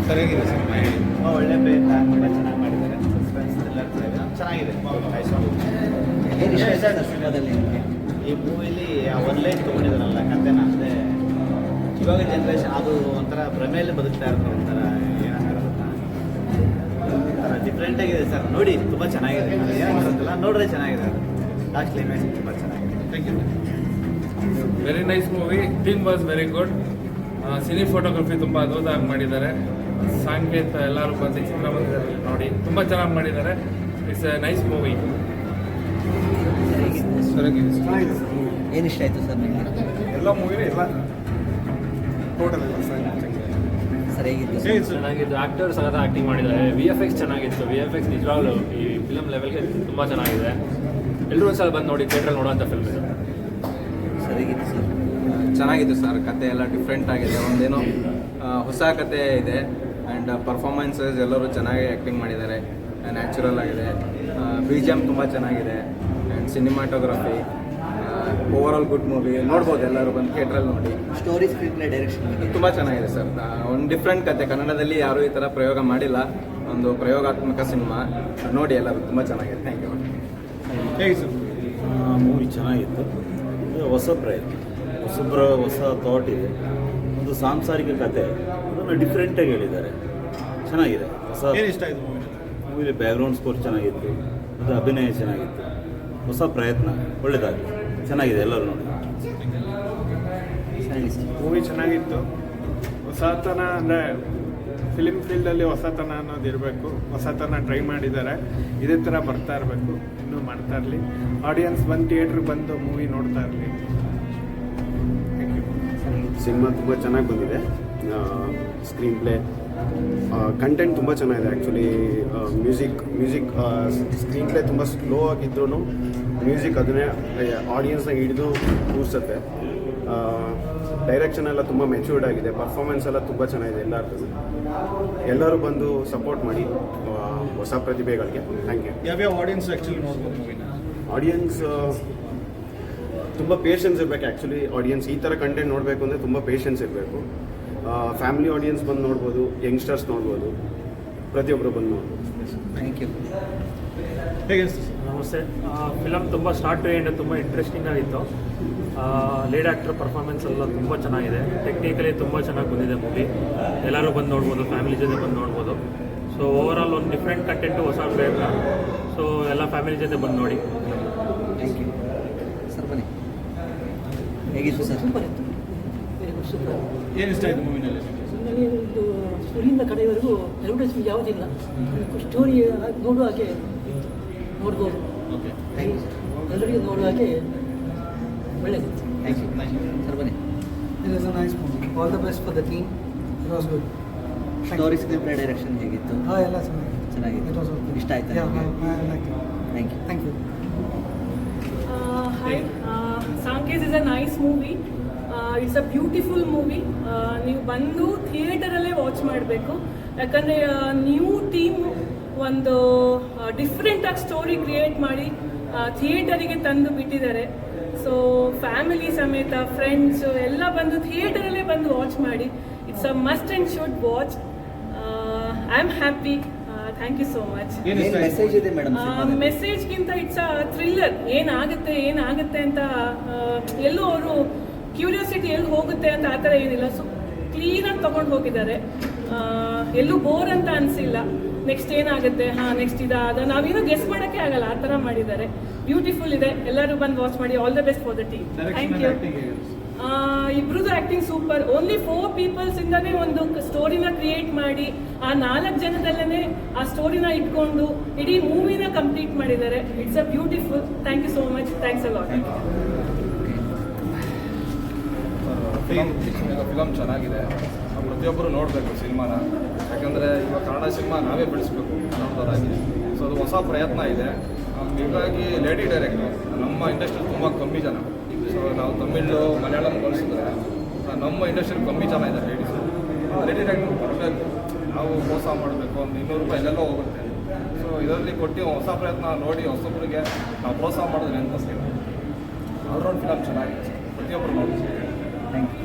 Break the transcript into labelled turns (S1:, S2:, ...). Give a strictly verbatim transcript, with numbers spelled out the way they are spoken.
S1: ಸರಿಯಾಗಿದೆ ಸಿನಿಮಾ ಹೇಳಿ.
S2: ತುಂಬ ಒಳ್ಳೆ ಪ್ರಯತ್ನ, ತುಂಬ ಚೆನ್ನಾಗಿ ಮಾಡಿದ್ದಾರೆ. ಸಸ್ಪೆನ್ಸ್ ಥ್ರಿಲ್ಲರ್ ಚೆನ್ನಾಗಿದೆ.
S3: ಏನು ಇಷ್ಟ ಆಯ್ತು ಸರ್ ಸಿನಿಮಾದಲ್ಲಿ ನಿಮಗೆ?
S2: ಈ ಮೂವಿಲಿ ಆ ಒಂದು ಲೈನ್ ತೊಗೊಂಡಿದ್ದಾರಲ್ಲ ಕಥೆನ, ಅಂದರೆ ಇವಾಗ ಜನ್ರೇಷನ್ ಅದು ಒಂಥರ ಭ್ರಮೆಯಲ್ಲಿ ಬದುಕ್ತಾ ಇರ್ತಾರೆ. ಒಂಥರ ಏನಂತಾರೆ ಒಂಥರ ಡಿಫ್ರೆಂಟಾಗಿದೆ ಸರ್. ನೋಡಿ ತುಂಬ ಚೆನ್ನಾಗಿದೆ. ಏನಂತಾರಲ್ಲ ನೋಡಿದ್ರೆ ಚೆನ್ನಾಗಿದೆ. ಲಾಸ್ಟ್ ಕ್ಲೈಮ್ಯಾಕ್ಸ್ ತುಂಬ ಚೆನ್ನಾಗಿದೆ.
S1: Thank you.
S4: Very nice movie. Theme was very good. Cinematography ತುಂಬ ಅದ್ಭುತವಾಗಿ ಮಾಡಿದ್ದಾರೆ. ಸಾಂಕೇತ ಎಲ್ಲರೂ ಬಂದು ಚಿತ್ರಮಂದಿರದಲ್ಲಿ ನೋಡಿ ತುಂಬ ಚೆನ್ನಾಗಿ ಮಾಡಿದ್ದಾರೆ. It's a nice movie.
S1: ಸರಿಯಾಗಿದೆ.
S3: ಏನು ಇಷ್ಟ ಆಯಿತು ಸರ್ ನಿಮಗೆ?
S1: ಎಲ್ಲ ಮೂವಿನೂ ಎಲ್ಲ ಟೋಟಲ್ ಎಲ್ಲ
S3: ಸರಿಯಾಗಿತ್ತು ಸರ್.
S1: ಹೇಳಿ ಸರ್.
S5: ಚೆನ್ನಾಗಿತ್ತು. ಆ್ಯಕ್ಟರ್ಸ್ ಸಹ ಆ್ಯಕ್ಟಿಂಗ್ ಮಾಡಿದ್ದಾರೆ. ವಿ ಎಫ್ ಎಕ್ಸ್ ಚೆನ್ನಾಗಿತ್ತು. ವಿ ಎಫ್ ಎಕ್ಸ್ ನಿಜವಾಗ್ಲೂ ಈ ಫಿಲಮ್ ಲೆವೆಲ್ಗೆ ತುಂಬ ಚೆನ್ನಾಗಿದೆ. ಎಲ್ಲರೂ ಒಂದ್ಸಲ ಬಂದು ನೋಡಿ, ಥಿಯೇಟ್ರಲ್ಲಿ ನೋಡೋಂಥ ಫಿಲ್ಮ್ ಇದು.
S3: ಸರಿಯಾಗಿತ್ತು ಸರ್.
S6: ಚೆನ್ನಾಗಿತ್ತು ಸರ್. ಕತೆ ಎಲ್ಲ ಡಿಫ್ರೆಂಟ್ ಆಗಿದೆ. ಒಂದೇನೋ ಆ, ಹೊಸ ಕತೆ ಇದೆ. ಆ್ಯಂಡ್ ಪರ್ಫಾರ್ಮೆನ್ಸಸ್ ಎಲ್ಲರೂ ಚೆನ್ನಾಗಿ ಆ್ಯಕ್ಟಿಂಗ್ ಮಾಡಿದ್ದಾರೆ. ನ್ಯಾಚುರಲ್ ಆಗಿದೆ. ಬಿ ಜಿ ಎಮ್ ತುಂಬ ಚೆನ್ನಾಗಿದೆ. And cinematography overall good movie. ನೋಡ್ಬೋದು ಎಲ್ಲರೂ ಬಂದು ಥಿಯೇಟ್ರಲ್ಲಿ ನೋಡಿ.
S3: ಸ್ಟೋರಿ ಸ್ಕ್ರೀನ್ ಪ್ಲೇ ಡೈರೆಕ್ಷನ್ ಬಗ್ಗೆ
S6: ತುಂಬ ಚೆನ್ನಾಗಿದೆ ಸರ್. ಒಂದು ಡಿಫ್ರೆಂಟ್ ಕತೆ. ಕನ್ನಡದಲ್ಲಿ ಯಾರೂ ಈ ಥರ ಪ್ರಯೋಗ ಮಾಡಿಲ್ಲ. ಒಂದು ಪ್ರಯೋಗಾತ್ಮಕ ಸಿನಿಮಾ ನೋಡಿ ಎಲ್ಲರೂ. ತುಂಬ ಚೆನ್ನಾಗಿದೆ. Thank you.
S1: ಹೇಗೆ ಸರ್?
S7: ಮೂವಿ ಚೆನ್ನಾಗಿತ್ತು. ಇದು ಹೊಸ ಪ್ರಯತ್ನ, ಹೊಸಬ್ರ ಹೊಸ ಥಾಟ್ ಇದೆ. ಒಂದು ಸಾಂಸಾರಿಕ ಕತೆ, ಅದನ್ನು ಡಿಫ್ರೆಂಟಾಗಿ ಹೇಳಿದ್ದಾರೆ. ಚೆನ್ನಾಗಿದೆ. ಹೊಸ
S1: ಏನು ಇಷ್ಟ ಆಯಿತು ಮೂವಿ?
S7: ಮೂವಿಲಿ ಬ್ಯಾಕ್ಗ್ರೌಂಡ್ ಸ್ಕೋರ್ ಚೆನ್ನಾಗಿತ್ತು. ಅದು ಅಭಿನಯ ಚೆನ್ನಾಗಿತ್ತು. ಹೊಸ ಪ್ರಯತ್ನ ಒಳ್ಳೆಯದಾಗಿ ಚೆನ್ನಾಗಿದೆ. ಎಲ್ಲರೂ ನೋಡಿ.
S3: ಸರಿ ಸರ್.
S8: ಮೂವಿ ಚೆನ್ನಾಗಿತ್ತು. ಹೊಸತನ ಅಂದರೆ ಫಿಲಿಮ್ ಫೀಲ್ಡಲ್ಲಿ ಹೊಸತನ ಅನ್ನೋದು ಇರಬೇಕು. ಹೊಸತನ ಟ್ರೈ ಮಾಡಿದ್ದಾರೆ. ಇದೇ ಥರ ಬರ್ತಾ ಇರಬೇಕು, ಇನ್ನೂ ಮಾಡ್ತಾ ಇರಲಿ. ಆಡಿಯನ್ಸ್ ಬಂದು ಥಿಯೇಟ್ರಿಗೆ ಬಂದು ಮೂವಿ ನೋಡ್ತಾ ಇರಲಿ. Thank you.
S9: ಸಿನಿಮಾ ತುಂಬ ಚೆನ್ನಾಗಿ ಬಂದಿದೆ. ಸ್ಕ್ರೀನ್ ಪ್ಲೇ, ಕಂಟೆಂಟ್ ತುಂಬ ಚೆನ್ನಾಗಿದೆ. Actually music music screenplay ತುಂಬ ಸ್ಲೋ ಆಗಿದ್ರೂ ಮ್ಯೂಸಿಕ್ ಅದನ್ನೇ ಆಡಿಯನ್ಸ್ನ ಹಿಡಿದು ಕೂರಿಸುತ್ತೆ. ಡೈರೆಕ್ಷನ್ ಎಲ್ಲ ತುಂಬ ಮೆಚ್ಯೂರ್ಡ್ ಆಗಿದೆ. ಪರ್ಫಾರ್ಮೆನ್ಸ್ ಎಲ್ಲ ತುಂಬ ಚೆನ್ನಾಗಿದೆ ಎಲ್ಲರದ್ದು. ಎಲ್ಲರೂ ಬಂದು ಸಪೋರ್ಟ್ ಮಾಡಿ ಹೊಸ ಪ್ರತಿಭೆಗಳಿಗೆ. Thank you.
S1: ಯಾವ್ಯಾವ ಆಡಿಯನ್ಸ್ ಆ್ಯಕ್ಚುಲಿ ನೋಡ್ಬೋದು ಮೂವಿನ?
S9: ಆಡಿಯನ್ಸ್ ತುಂಬ ಪೇಷನ್ಸ್ ಇರಬೇಕು. ಆ್ಯಕ್ಚುಲಿ ಆಡಿಯನ್ಸ್ ಈ ಥರ ಕಂಟೆಂಟ್ ನೋಡಬೇಕು ಅಂದರೆ ತುಂಬ ಪೇಷನ್ಸ್ ಇರಬೇಕು. ಫ್ಯಾಮಿಲಿ ಆಡಿಯನ್ಸ್ ಬಂದು ನೋಡ್ಬೋದು, ಯಂಗ್ಸ್ಟರ್ಸ್ ನೋಡ್ಬೋದು, ಪ್ರತಿಯೊಬ್ಬರು ಬಂದು ನೋಡ್ಬೋದು.
S3: Thank you.
S1: ಹೇಗೆ ಅನಿಸ್ತು ಸರ್?
S5: ನಮಸ್ತೆ. ಫಿಲಮ್ ತುಂಬ ಸ್ಟಾರ್ಟ್ ಟು ಎಂಡ್ ತುಂಬ ಇಂಟ್ರೆಸ್ಟಿಂಗ್ ಆಗಿತ್ತು. ಲೀಡ್ ಆ್ಯಕ್ಟರ್ ಪರ್ಫಾರ್ಮೆನ್ಸ್ ಎಲ್ಲ ತುಂಬ ಚೆನ್ನಾಗಿದೆ. ಟೆಕ್ನಿಕಲಿ ತುಂಬ ಚೆನ್ನಾಗಿ ಬಂದಿದೆ ಮೂವಿ. ಎಲ್ಲರೂ ಬಂದು ನೋಡ್ಬೋದು, ಫ್ಯಾಮಿಲಿ ಜೊತೆ ಬಂದು ನೋಡ್ಬೋದು. ಸೊ ಓವರ್ ಆಲ್ ಒಂದು ಡಿಫ್ರೆಂಟ್ ಕಂಟೆಂಟು, ಹೊಸ ಪ್ರಯತ್ನ. ಸೊ ಎಲ್ಲ ಫ್ಯಾಮಿಲಿ ಜೊತೆ ಬಂದು ನೋಡಿ.
S3: Thank you sir. ಬನ್ನಿ. ಹೇಗಿತ್ತು ಸರ್?
S10: ಸೂಪರ್ ಇತ್ತು. Very good, super.
S1: ಏನು ಇಷ್ಟ ಆಯಿತು ಮೂವಿನಲ್ಲಿ?
S10: ನಮಗೆ ಒಂದು ಶುರುವಿಂದ ಕಡೆಯವರೆಗೂ ಅಡ್ವರ್ಟೈಸ್ಮೆಂಟ್ ಯಾವುದಿಲ್ಲ. ಸ್ಟೋರಿ ನೋಡುವ ಹಾಗೆ ಇತ್ತು. ನೋಡ್ಬೋದು.
S1: ಓಕೆ.
S3: Thank you sir.
S10: ಎಲ್ಲರಿಗೂ ನೋಡುವ ಹಾಗೆ ಒಳ್ಳೆಯದಿತ್ತು.
S3: Thank you sir. ಬನ್ನಿ.
S11: It was a nice movie. All the best for the team. It was good.
S3: Story screenplay direction ಹೇಗಿತ್ತು?
S11: ಹಾಂ, ಎಲ್ಲ ಚೆನ್ನಾಗಿತ್ತು.
S3: ಚೆನ್ನಾಗಿತ್ತು.
S11: It was okay.
S3: ಇಷ್ಟ ಆಯ್ತಾ
S11: Yeah,
S3: ನಿಮಗೆ?
S11: I liked it.
S3: Thank you.
S11: Thank you.
S12: Uh, hi, uh, Sankes is a nice movie. Uh, it's a beautiful movie. Uh, ನೀವು ಬಂದು ಥಿಯೇಟರಲ್ಲೇ ವಾಚ್ ಮಾಡಬೇಕು. ಯಾಕಂದರೆ ನ್ಯೂ ಟೀಮ್ ಒಂದು ಡಿಫ್ರೆಂಟಾಗಿ ಸ್ಟೋರಿ ಕ್ರಿಯೇಟ್ ಮಾಡಿ ಥಿಯೇಟರಿಗೆ ತಂದು ಬಿಟ್ಟಿದ್ದಾರೆ. ಸೊ ಫ್ಯಾಮಿಲಿ ಸಮೇತ ಫ್ರೆಂಡ್ಸು ಎಲ್ಲ ಬಂದು ಥಿಯೇಟರಲ್ಲೇ ಬಂದು ವಾಚ್ ಮಾಡಿ. It's a must and should watch. I am happy. Thank you so much.
S3: ಏನು ಮೆಸೇಜ್ ಇದೆ ಮೇಡಮ್?
S12: ಮೆಸೇಜ್ಗಿಂತ ಇಟ್ಸ್ ಅ ಥ್ರಿಲ್ಲರ್. ಏನಾಗುತ್ತೆ ಏನಾಗುತ್ತೆ ಅಂತ ಎಲ್ಲೂ ಅವರು ಕ್ಯೂರಿಯಾಸಿಟಿ ಎಲ್ಲಿ ಹೋಗುತ್ತೆ ಅಂತ ಆ ಥರ ಏನಿಲ್ಲ. ಸೊ ಕ್ಲೀನಾಗಿ ತೊಗೊಂಡು ಹೋಗಿದ್ದಾರೆ. ಎಲ್ಲೂ ಬೋರ್ ಅಂತ ಅನಿಸಿಲ್ಲ. ನೆಕ್ಸ್ಟ್ ಏನಾಗುತ್ತೆ, ಹಾಂ ನೆಕ್ಸ್ಟ್ ಇದ ಅದ ನಾವೇನೋ ಗೆಸ್ ಮಾಡೋಕ್ಕೆ ಆಗಲ್ಲ, ಆ ಥರ ಮಾಡಿದ್ದಾರೆ. ಬ್ಯೂಟಿಫುಲ್ ಇದೆ. ಎಲ್ಲರೂ ಬಂದು ವಾಚ್ ಮಾಡಿ. All the best for the team. Thank you. ಇಬ್ರದ್ದು acting super. Only four peoples ಇಂದಾನೇ ಒಂದು ಸ್ಟೋರಿನ ಕ್ರಿಯೇಟ್ ಮಾಡಿ ಆ ನಾಲ್ಕು ಜನದಲ್ಲೇ ಆ ಸ್ಟೋರಿನ ಇಟ್ಕೊಂಡು ಇಡೀ ಮೂವಿನ ಕಂಪ್ಲೀಟ್ ಮಾಡಿದ್ದಾರೆ. It's a beautiful. Thank you so much. Thanks a lot.
S4: Film film ಚೆನ್ನಾಗಿದೆ. ಪ್ರತಿಯೊಬ್ಬರು ನೋಡಬೇಕು ಸಿನಿಮಾನ. ಯಾಕಂದರೆ ಇವಾಗ ಕನ್ನಡ ಸಿನಿಮಾ ನಾವೇ ಬೆಳೆಸಬೇಕು ಕನ್ನಡದವರಾಗಿ. ಸೊ ಅದು ಹೊಸ ಪ್ರಯತ್ನ ಇದೆ. ಹೀಗಾಗಿ ಲೇಡಿ ಡೈರೆಕ್ಟರ್ ನಮ್ಮ ಇಂಡಸ್ಟ್ರಿ ತುಂಬ ಕಮ್ಮಿ ಜನ. ಸೊ ನಾವು ತಮಿಳು ಮಲಯಾಳಂ ಕಳಿಸಿದ್ರೆ ನಮ್ಮ ಇಂಡಸ್ಟ್ರಿ ಕಮ್ಮಿ ಜನ ಇದ್ದಾರೆ ಲೇಡೀಸ್. ಲೇಡಿ ಡೈರೆಕ್ಟರ್ ಬರಬೇಕು. ನಾವು ಮೋಸ ಮಾಡಬೇಕು, ಒಂದು ಇನ್ನೂರು ರೂಪಾಯಿ ಎಲ್ಲೆಲ್ಲೋ ಹೋಗುತ್ತೆ. ಸೊ ಇದರಲ್ಲಿ ಕೊಟ್ಟು ಹೊಸ ಪ್ರಯತ್ನ ನೋಡಿ ಹೊಸೊಬ್ಬರಿಗೆ ನಾವು ಪ್ರೋತ್ಸಾಹ ಮಾಡಿದ್ರೆ ಅಂತ ಆಲ್ರೌಂಡ್ ಫಿಲಮ್ ಚೆನ್ನಾಗಿದೆ. ಪ್ರತಿಯೊಬ್ಬರು ನೋಡಿ.
S3: Thank you.